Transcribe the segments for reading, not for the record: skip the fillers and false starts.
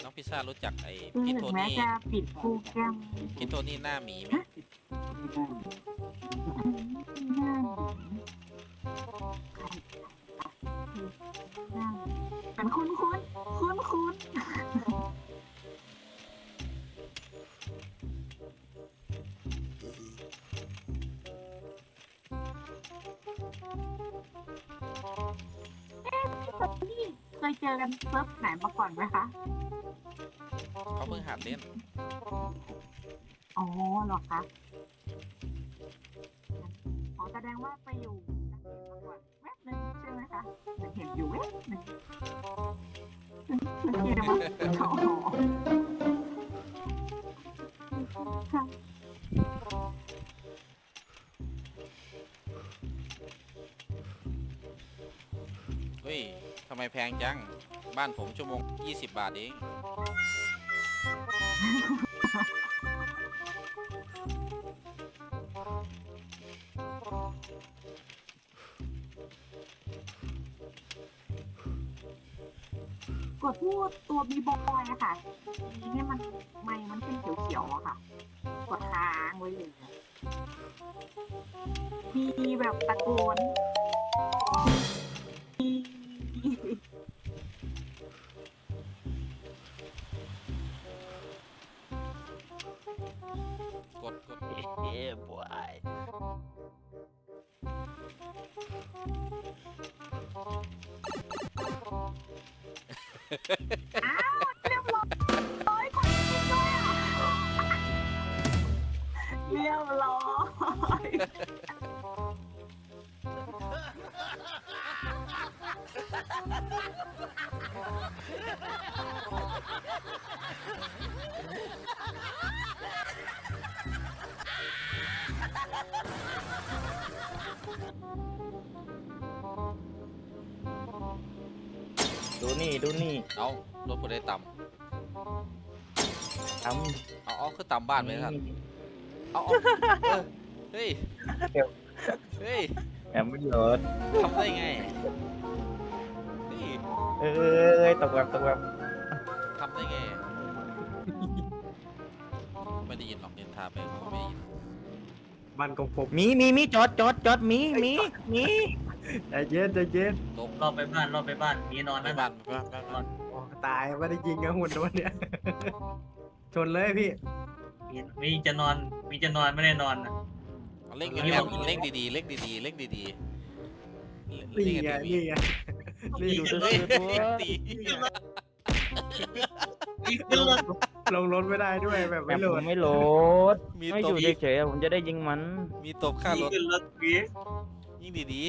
น้องพิซซ่ารู้จักไอ้คือพี่โทถึงแม้นี่จะปิดโปรแกรมพี่โทนี่หน้าหมีไหมหน้าหมีใครหน้าหมีมันคุ้นนี่เคยเจอกันเซิร์ฟไหนมาก่อนไหมคะเขาเพิ่งหัดเล่นอ๋อเหรอคะอ๋อแสดงว่าไปอยู่นักเรียนมาก่อนแวบนึงใช่ไหมคะเห็นอยู่แวบนึงเมื่อกี้นะมันอ๋อค่ะเฮ้ยทำไมแพงจังบ้านผมชั่วโมง20 บาทเองกดพูดตัวบีบอยอะค่ะทีนี่มันมันเป็นเขียวๆอะค่ะกดค้างไว้เลยมีแบบตะโกนกดเฮ้บวยอ้าวเรียบร้อยคนจริงด้วยอะเรียบร้อยดูนี่ดูนี่เอารถกูได้ต่ทำเอาคือต่ำบ้านไปท่านเอาเฮ้ยเฮ้ยำแอมไม่ยศทำได้ไงเฮ้ยเอ้ยตกแบบทำได้ไงไม่ได้ยินหรอกเดินทางไปเขาก็ไม่ได้ยินมันของผมมีจอดมีใจเย็นใจเย็นตกรอบไปบ้านมีนอนไปนั่นบ้าน่ะนไปบ้านโอ้ตายไม่ได้ยิงกับหุ่นตัวเนี้ย ชนเลยพี่มีจะนอนไม่ได้นอนนะเล่งเงียบๆเล่งดีๆเล่งดีๆเล่งดีๆนี่เล่งไงดีนี่ไงนี่ดูๆเฮ้ยตีนี่ขึ้นรถลงรถไม่ได้ด้วยแบบแอไม่มโหลผดมไม่โหลดมีไม่ตอบ ยู่เฉยๆผมจะได้ยิงมันมีตบค่ารถขึ้นรถวียิ่งดี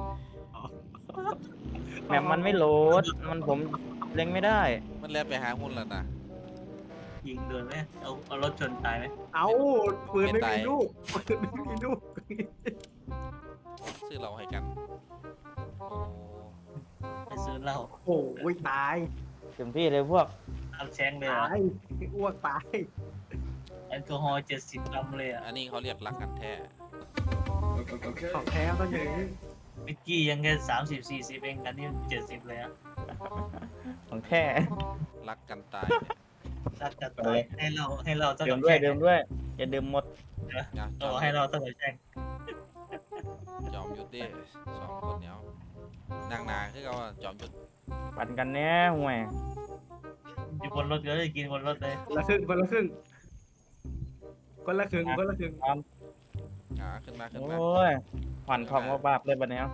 แมปมันไม่โหลดมันผมเล็งไม่ได้ๆมันแล่นไปหาหุ้นแล้วนะยิงโดนไหมเอารถชนตายไหมเอาปืนไม่มีลูกปืนไม่มีลูกซื้อเราให้กันโอ้ไปซื้อเหล้าโอ้ยตายเต็มที่เลยพวกเอาแชงเลยเหรตาอยอ้วกตายแอลกอฮอล์70 กรัมเลยอ่ะอันนี้เขาเรียกรักกันแท้ของแท้ต้องอย่างนี้เมื่อกี้ยังแค่30-40เองกันนี่70เลยอ่ะของแท้รักกันตายรักจัดตายให้เราเท่าเดิกัมบด้วยแช่งเดิมด้วยอย่าดื่มหมดเนี่ยเราให้เราเท่ากับแช่งจอมยุทธดิสองคนเนี้ยนางนาคือเขาว่าจอมยุทธปั่นกันแน่ห่วยอยู่บนรถก็ได้กินบนรถเลยคนละครึ่งคนละครึ่งคนละครึ่งคนละครึ่งขึ้นมาโอ้ยผ่อนทองว่าบาปเลยบัดเนี้ย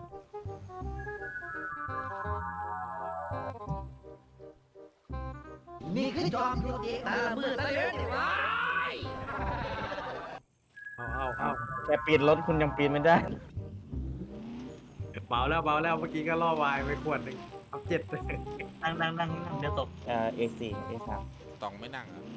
นี่คือจอมยุทธเอกตาละมือตะเลือนวะเอาแต่ปีนรถคุณยังปีนไม่ได้เบาแล้วเมื่อกี้ก็ล่อวายไปขวดหนึ่งเอา7เลยนั่งเดี๋ยวตก A4 A3 ต้องไม่นั่งอ่ะ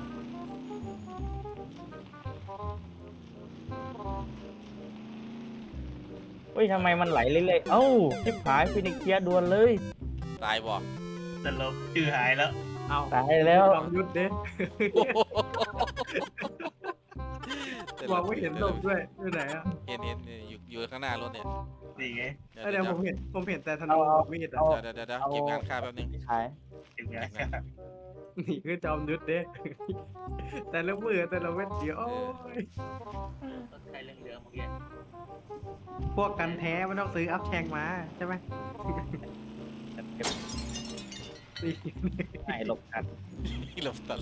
เฮ้ยทำไมมันไหลเรื่อยๆเอ้าชิบหายฟินิกเกียร์ดวนเลยตายบ่แต่เราชื่อหายแล้วเอาตายแล้วจอมยุทธเด้มองไม่เห็นศพด้วยที่ไหนอ่ะเห็นอยู่ข้างหน้ารถเนี่ยนี่ไงเดี๋ยวผมเห็นแต่ธนูกับมีดอ่ะเดี๋ยวเก็บงานค่าแป๊บนึงขายเก็บงานนี่คือจอมยุทธเด้ แต่ละมือแต่ละเม็ดเดียวโอ้ยต้นไทรเรื่องเมื่อกี้พวกกันแท้มันต้องซื้ออัพแชงมาใช่ไหมนี่ไม่หลบกันที่หลบตัด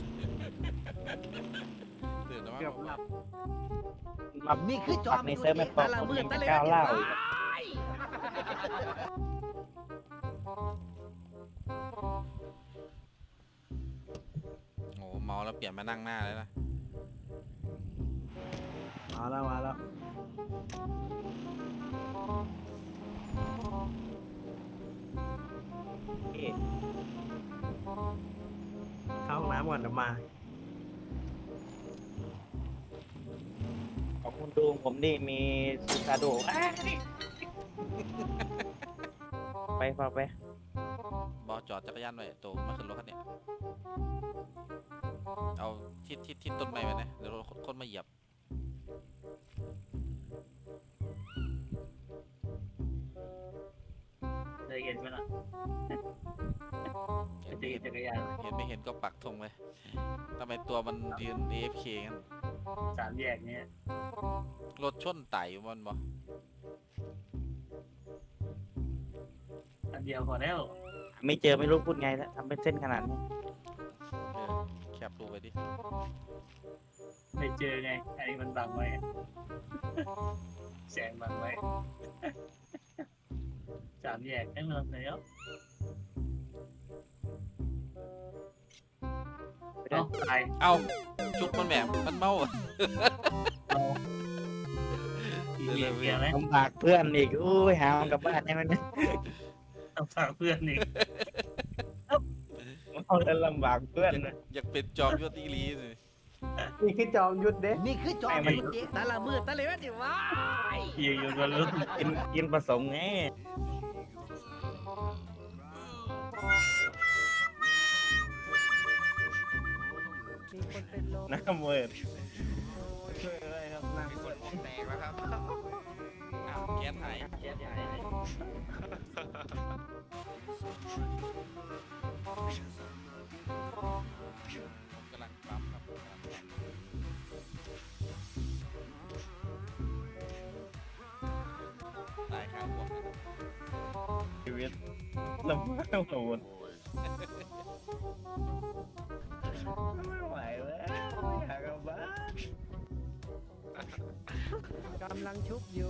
ตื่นแล้วเกือบหลับมานี่คือจอมในเซิร์ฟไม่ปอกผมยังจะก้าวเล่าอีกโอ้เมาแล้วเปลี่ยนมานั่งหน้าเลยนะมาแล้วมาแล้วเข้าห้องน้ำก่อนเดี๋ยวมาของคุณดูผมนี่มีซูซาโดไปฟังไปบอสจอดจักรยานไว้โตมาขึ้นรถคันเนี้ยเอาทิศต้นไม้ไปนะเดี๋ยวรถคนมาเหยียบเคยเห็นไหมล่ะเห็นตีไม่เห็นจักรยานเห็นไม่เห็นก็ปักธงไปทำไมตัวมันยืน AFK กันสามแยกเนี่ยรถชนไต่อยู่มันบออันเดียวพอแล้วไม่เจอไม่รู้พูดไงแล้วทำเป็นเส้นขนาดนี้แคปดูไปดิไม่เจอไงอันนี้มันบังไว้แสงบังไว้สามแยกได้เมืองแล้วเอ้าตายเอาจุกมันแบบมันเมาอะอีเมียเมียไหมลำบากเพื่อนอีกอุ้ยหามันกลับบ้านได้ไหมเนี่ยต้องฝากเพื่อนอีกเอาแล้วลำบากเพื่อนนะอยากเป็นจอมยศอีหลีเลยนี่คือจอมยุทธเด้นี่คือจอมยุทธเด็กแต่ละมือแต่ละเว้นดิวะอยู่บนรุ่นกินผสมไงน้ำเวิร์ดช่วยอะไรครับน้ำเวิร์ดแตกแล้วครับอ้าวแก๊สหายแก๊สหายกำลังปั๊มครับกำลังปั๊มตายข้างบวกนะครับชีวิตลำบากโหดไม่ไหวแล้วอยากกลับบ้านกำลังชุบอยู่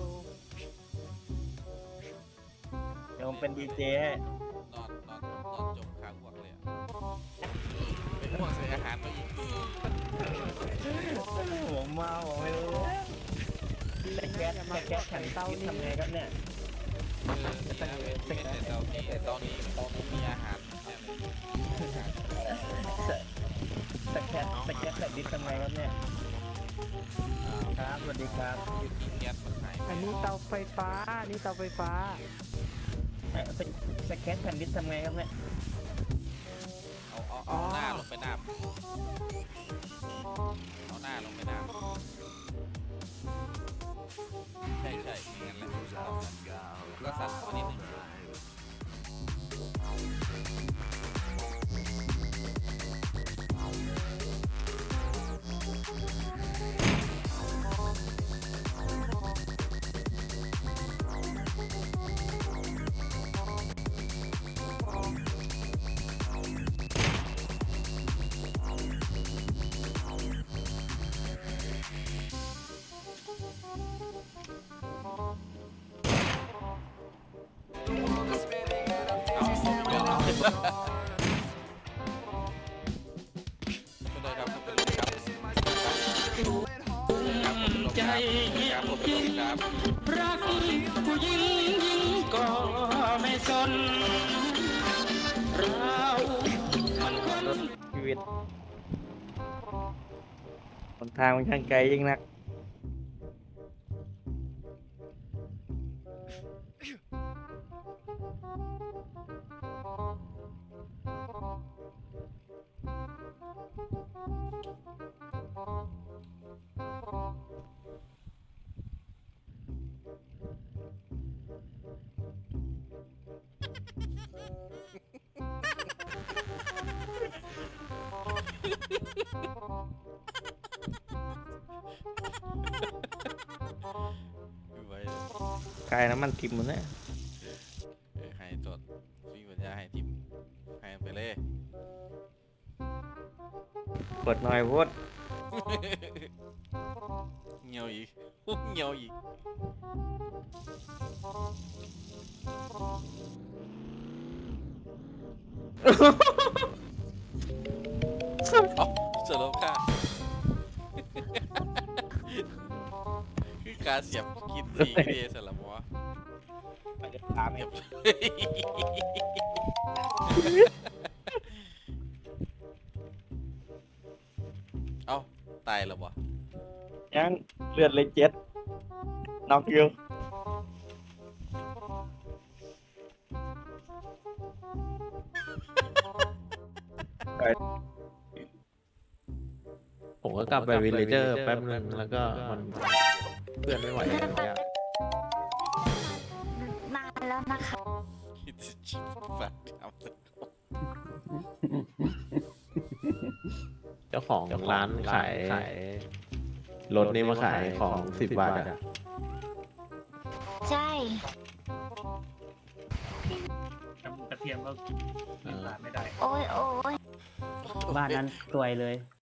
เดี๋ยวผมเป็นดีเจให้นอนจมข้างบวกเลยอะเป็นห่วงเสียอาหารมาอีกผมเมาผมไม่รู้แต่แก๊สแข็งเต้านี่ทำไงครับเนี่ยเป็นแต่ตอนนี้มีอาหารเนี่ยเลยสแก๊สแบบดิสทำไงครับเนี่ยครับสวัสดีครับกินแก๊สมันหายอันนี้เตาไฟฟ้าอันนี้เตาไฟฟ้าสแก๊สแผ่นดิสทำไงครับเนี่ยเอาหน้าลงไปน้ำเอาหน้าลงไปน้ำใช่อย่างนั้นแหละก็สั่นมานิดนึง ใจครับรักผู้หญิงยิ่งก็ไม่สนเรามันคนชีวิตหนทางมันช่างไกลยิ่งนักไม่ไหวไกลน้ำมันทิมมันเนี่ยให้จดวิ่งปัญญาให้ทีมให้ไปเลยเปิดหน่อยพุทธเงียวอีกเงียวอีกเอาสโลค่าคือการเสียบกินสีเดสลับวะตามเองเอ้าตายแล้ววะยังเลือดเลยเจ็ดน็อกอยู่ผมก็กลับไปวิลเลเจอร์แป๊บนึงแล้วก็มันเพื่อนไม่ไหวแล้วเนี่ยนานแล้วนะคะคิดจะชิบฝากทำเจ้าของร้านขายรถนี่มาขายของ10 บาทอะใช่กระเทียมก็กินร้านไม่ได้โอ้ยโอ้ยบ้านนั้นรวยเลย